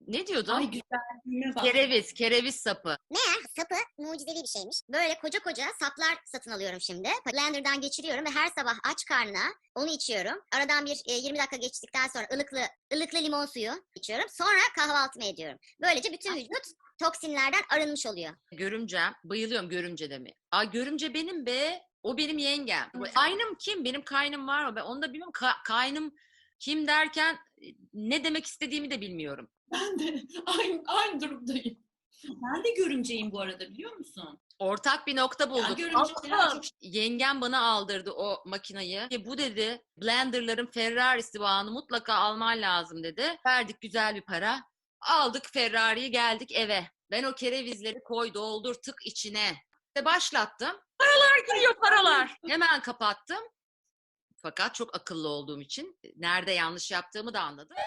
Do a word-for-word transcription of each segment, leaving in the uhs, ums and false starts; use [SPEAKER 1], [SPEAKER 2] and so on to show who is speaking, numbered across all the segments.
[SPEAKER 1] Ne diyordum?
[SPEAKER 2] Ay güzelliğime bak.
[SPEAKER 1] Kereviz, kereviz sapı.
[SPEAKER 3] Meğer sapı mucizevi bir şeymiş. Böyle koca koca saplar satın alıyorum şimdi. Blender'dan geçiriyorum ve her sabah aç karnına onu içiyorum. Aradan bir e, yirmi dakika geçtikten sonra ılıklı ılıklı limon suyu içiyorum. Sonra kahvaltımı ediyorum. Böylece bütün vücut toksinlerden arınmış oluyor.
[SPEAKER 1] Görümcem. Bayılıyorum görümce demi. Aa, görümce benim be. O benim yengem. Kaynım kim? Benim kaynım var mı? Ben onu da bilmiyorum. Ka- kaynım kim derken ne demek istediğimi de bilmiyorum.
[SPEAKER 2] Ben de aynı, aynı durumdayım. Ben de görümceyim bu arada, biliyor musun?
[SPEAKER 1] Ortak bir nokta
[SPEAKER 2] Ya
[SPEAKER 1] bulduk.
[SPEAKER 2] görümceler
[SPEAKER 1] Ama
[SPEAKER 2] çok...
[SPEAKER 1] yengem bana aldırdı o makinayı. E, bu dedi blenderların Ferrari'si bağını mutlaka alman lazım dedi. Verdik güzel bir para. Aldık Ferrari'yi, geldik eve. Ben o kerevizleri koy doldur tık içine. İşte başlattım. Paralar giriyor paralar. Hemen kapattım. Fakat çok akıllı olduğum için nerede yanlış yaptığımı da anladım.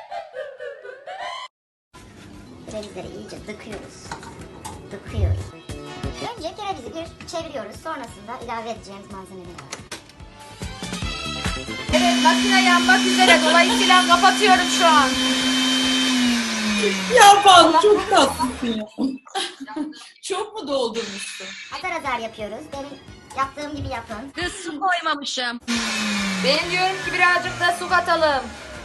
[SPEAKER 3] Kerevizleri iyice dıkıyoruz. Dıkıyoruz. Önce kerevizi bir çeviriyoruz. Sonrasında ilave edeceğimiz malzemeleri var.
[SPEAKER 1] Evet, makine yanmak üzere. Dolayısıyla kapatıyorum şu an.
[SPEAKER 2] Ya Banu çok tatlısın ya. Çok mu doldurmuşsun?
[SPEAKER 3] Azar azar yapıyoruz. Benim yaptığım gibi yapın.
[SPEAKER 1] Kız su koymamışım.
[SPEAKER 4] Ben diyorum ki birazcık da su katalım.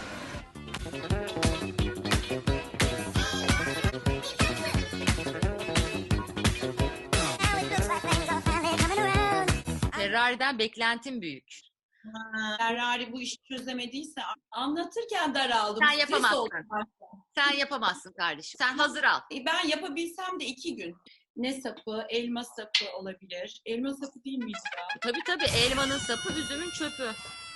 [SPEAKER 1] Ferrari'den beklentim büyük.
[SPEAKER 2] Ha, Ferrari bu işi çözemediyse anlatırken daraldım.
[SPEAKER 1] Sen
[SPEAKER 2] Stres
[SPEAKER 1] yapamazsın.
[SPEAKER 2] oldum.
[SPEAKER 1] Sen yapamazsın kardeşim. Sen hazır al.
[SPEAKER 2] E, Ben yapabilsem de iki gün. Ne sapı? Elma sapı olabilir. Elma sapı değil miydi ya?
[SPEAKER 1] Tabii tabii, elmanın sapı, üzümün çöpü.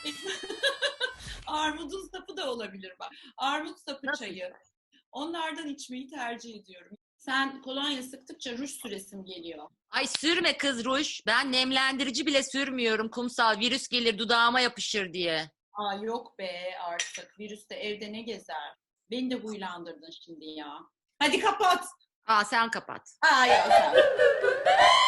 [SPEAKER 2] Armudun sapı da olabilir bak. Armut sapı
[SPEAKER 1] Nasıl?
[SPEAKER 2] çayı. Onlardan içmeyi tercih ediyorum. Sen kolonya sıktıkça ruj süresim geliyor.
[SPEAKER 1] Ay sürme kız ruj. Ben nemlendirici bile sürmüyorum. Kumsal virüs gelir dudağıma yapışır diye.
[SPEAKER 2] Aa yok be artık. Virüs de evde ne gezer? Beni de huylandırdın şimdi ya. Hadi kapat.
[SPEAKER 1] Aa sen kapat.
[SPEAKER 2] Aa yok.